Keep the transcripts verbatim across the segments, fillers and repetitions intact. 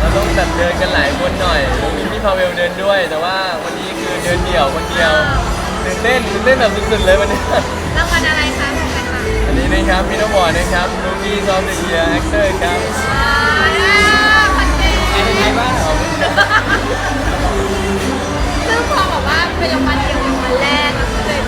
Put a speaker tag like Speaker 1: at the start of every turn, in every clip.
Speaker 1: ต้องแบบเดินกันหลายคนหน่อยมีพี่พาเวลเดินด้วย แต่ว่าวันนี้คือเดินเดี่ยวคนเดียวตื่นเต้นตื่นเต้นแบบสุดๆเลยวันนี้
Speaker 2: รางวัลอะไรคะของใครคะ
Speaker 1: อันนี้นะครับมิโนบอร์ดนะครับลูกี้ซอฟต์เดียร์แอคเตอร์ครับ
Speaker 2: อ่าพันเจ
Speaker 1: เป็นไงบ้างครับ
Speaker 2: ซึ่งพอบอกว่าเป็นรางวัลเดี่ยวรางวัลแรกก็เลย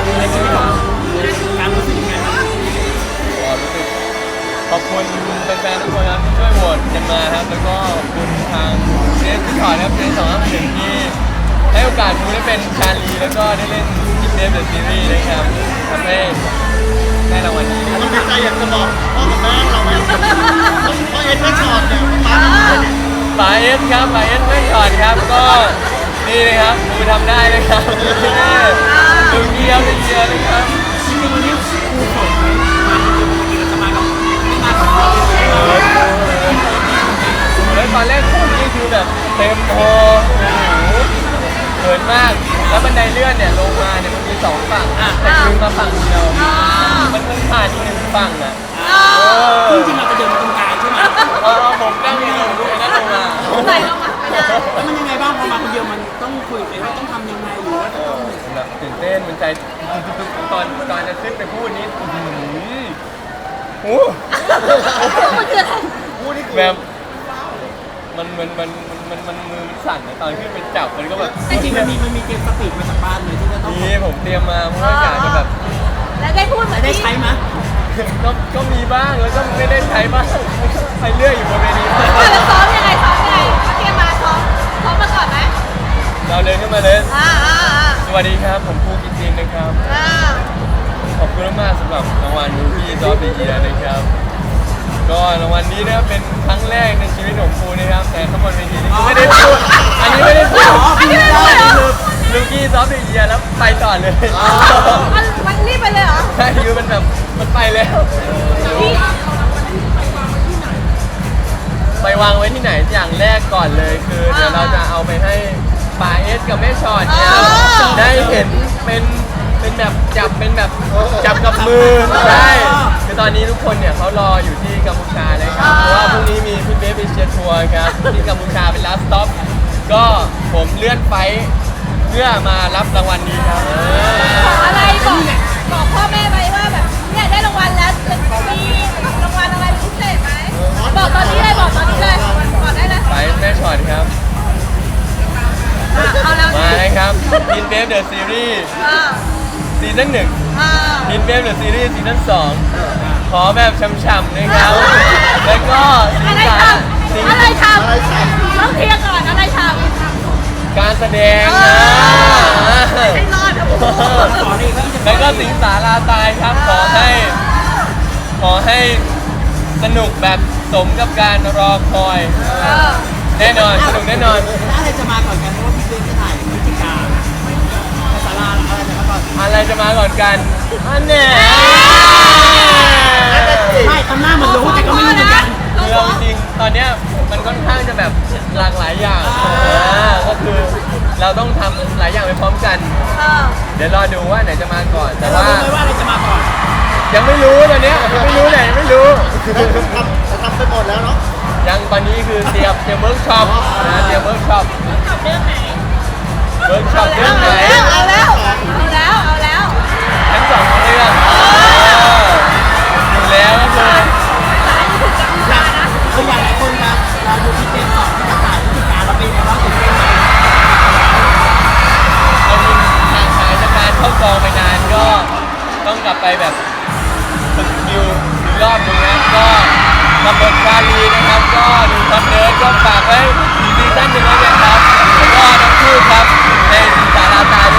Speaker 3: การรู้สึกยังไงบ้าง
Speaker 1: รู้สึกขอบคุณแฟนๆทุกคนครับที่ช่วยโหวตกันมาครับแล้วก็ขอบคุณทางเจสที่ถอดครับเจสสองห้าหนึ่งที่ให้โอกาสผมได้เป็นชาลีแล้วก็ได้เล่นทีมเดฟเดอะซีรีส์นะครับทำให้ได้รางวัลนี้
Speaker 4: เราดีใจอยากจะบอกพ่อกับแม่เราไหมพ่อเอ็ดไม่ชอตเนี่ยป้า
Speaker 1: ป๋าเอสครับป๋าเอสไม่ถอดครับก็นี่นะครับมือทำได้เลยครับดูเยี่ยมเลยเยี่ยมเลยครับ
Speaker 3: จริงๆวันนี้ครูสอนไหมมาจริงๆปกติเราจะมากับไม่มากับเราเลย
Speaker 1: แล้วตอนแรกผมนี่คือแบบเต็มโฮเขินมากแล้วบันไดเลื่อนเนี่ยลงมาเนี่ยมันมีสองฝั่งแต่ยืนมาฝั่งเดียวมันเพิ่งผ่านอีกหนึ่งฝั่งอ่ะ
Speaker 3: จริงๆเราจะเดินมาตรงกลางใช่ไหม
Speaker 1: เออผมนั่งอยู่ตรงนั้นลงมา
Speaker 2: ใส่รางวัลไม่ได้
Speaker 3: แล้วมันยังไงบ้างพอมาคนเดียวมันต้องคุยกันว่าต้องทำยังไงหรือว่า
Speaker 1: เออแบบตื่นเต้นมันใจตอนตอนจะขึ้นไปพูดนี้โอ้
Speaker 2: มันคืออะไร
Speaker 4: พูดนี่คือ
Speaker 1: แบบมันมันมันมันมันมือมันสั่นนะตอนขึ้นไปจับมันก็แบบ
Speaker 3: จริงๆมันมีมันมีเกมสปีดมาจากบ้านเลยที่จะต้อง
Speaker 1: นี่ผมเตรียมมาเพราะว่าอยากจะแบบ
Speaker 2: แล้วได้พูดเหมือน
Speaker 3: ได้
Speaker 2: ที่
Speaker 3: ใช้ไหม
Speaker 1: ก็ก็มีบ้างแล้วก็ไม่ได้ใช้บ้างไปเรื่อยอยู่บนเวที
Speaker 2: อ่ะแล้วซ้อมยังไงซ้อมยังไงเตรียมมาซ้อมซ้อมมาก่อนไหม
Speaker 1: เราเดินขึ้นมาเลย
Speaker 2: อ่าอ่าอ่า
Speaker 1: สวัสดีครับผมภูกิตินนะครับ
Speaker 2: อ่า
Speaker 1: ขอบคุณมากๆสำหรับรางวัลมูฟี่ซอฟต์เดียนะครับก็รางวัลนี้นะครับเป็นครั้งแรกในชีวิตของภูนะครับแต่ข้างบนเวทีนี่ไม่ได้พูดอันนี้ไม่ได้พูด
Speaker 2: อันนี้ไม่รู้เลยเหรอ
Speaker 1: ลูกี้ซอฟต์เดียแล้วไปต่อเลย
Speaker 2: มันมันรีบไปเลยเหรอ
Speaker 1: ใช่คือมันแบบมันไปแล้ว
Speaker 2: พี่
Speaker 1: ไปวางไว้ที่ไหนอย่างแรกก่อนเลยคือเดี๋ยวเราจะเอาไปให้ป๋าเอสกับแม่ชอดเนี่ยได้เห็นเป็นเป็นแบบจับเป็นแบบจับกับมือใช่คือตอนนี้ทุกคนเนี่ยเขารออยู่ที่กัมพูชาเลยครับเพราะว่าพรุ่งนี้มีพี่เบฟเอเชียทัวร์ครับที่กัมพูชาเป็นลาสต์สต็อปก็ผมเลื่อนไฟล์เพื่อมารับรางวัลนี้ครับ
Speaker 2: บอกอะไรบอกบอกพ่อแม่ไปว่าแบบเนี่ยได้รางวัลแล้วจะมีรางวัลอะไรพิเศษไหมบอกตอนนี้เลยบอกตอนนี้เลยบอกได้เลย
Speaker 1: ไปแม่ชอดครับ
Speaker 2: อ่ะเอาแล้ว
Speaker 1: มาเลยครับกินเบฟเดอะซีรีส์
Speaker 2: อ่า
Speaker 1: ซีซั่นหนึ่ง
Speaker 2: อ่า
Speaker 1: กินเบฟเดอะซีรีส์ซีซั่นสองขอแบบช่ำๆนะครับแล้วก็ซี
Speaker 2: อะไร
Speaker 1: ซั่
Speaker 2: ท
Speaker 1: นซี
Speaker 2: ำอะไรทำต้องเคลียร์ก่อนอะไรทำ
Speaker 1: การแสดง
Speaker 2: เอ
Speaker 1: นะ
Speaker 2: อให้รอดนะผม
Speaker 3: สอนเองว่าจะ
Speaker 1: แล้วก็สิงสาราตายครับขอให้ขอให้สนุกแบบสมกับการรอคอย
Speaker 2: เออ
Speaker 1: แน่นอนสนุกแน่นอน
Speaker 3: แล้วอะไรจะมาก่อนกันเพราะว่าพี่เบนจะถ่ายพฤศจิกาภาษาลาอะไรจะมาก่อน
Speaker 1: อะไรจะมาก่อนกันอันเนี้ย
Speaker 3: ไม่ทำหน้าเหมือนรู้แต่ก็ไม่รู้เหมือนกัน
Speaker 1: คือเราจริงๆตอนเนี้ยมันค่อนข้างจะแบบหลากหลายอย่าง
Speaker 3: อ่า
Speaker 1: อ่าก็คือเราต้องทำหลายอย่างไปพร้อมกัน
Speaker 2: เออ
Speaker 1: เดี๋ยวรอดูว่าไหนจะมาก่อน แต่
Speaker 3: เรา
Speaker 1: ว่า
Speaker 3: รู้ไหมว่าอะไรจะมาก่อน
Speaker 1: ยังไม่รู้ตอนเนี้ยยังไม่รู้ไหนยังไม่รู้
Speaker 4: ทำจะทำไปหมดแล้วเนาะ
Speaker 1: ยังตอนนี้คือเตรียมเตรียมเวิร์กช็อปนะเตรียมเวิร์กช็อป
Speaker 2: เรื่องไหน
Speaker 1: เวิร์กช็อปเรื่องไหน
Speaker 2: เอาแล้วเอาแล้วเอาแล้ว
Speaker 1: ทั้งสองเรื่องอยู่แล้วก็คือ
Speaker 3: คืออย่างหลายคนครับเราดูพี่เบนสอนที่ประกาศพฤศจิกาเราเป็นไงบ้างตื่นเต้นไหม
Speaker 1: เรามีห่างหายจากการเข้ากองไปนานก็ต้องกลับไปแบบฝึกสกิลอีกรอบหนึงนะก็กับบทชาลีนะครับก็ดูคอนเนิร์ดก็ฝากไว้ซีซั่นหนึ่งแล้วกันครับแล้วก็ทั้งคู่ครับในสิงสาราตาย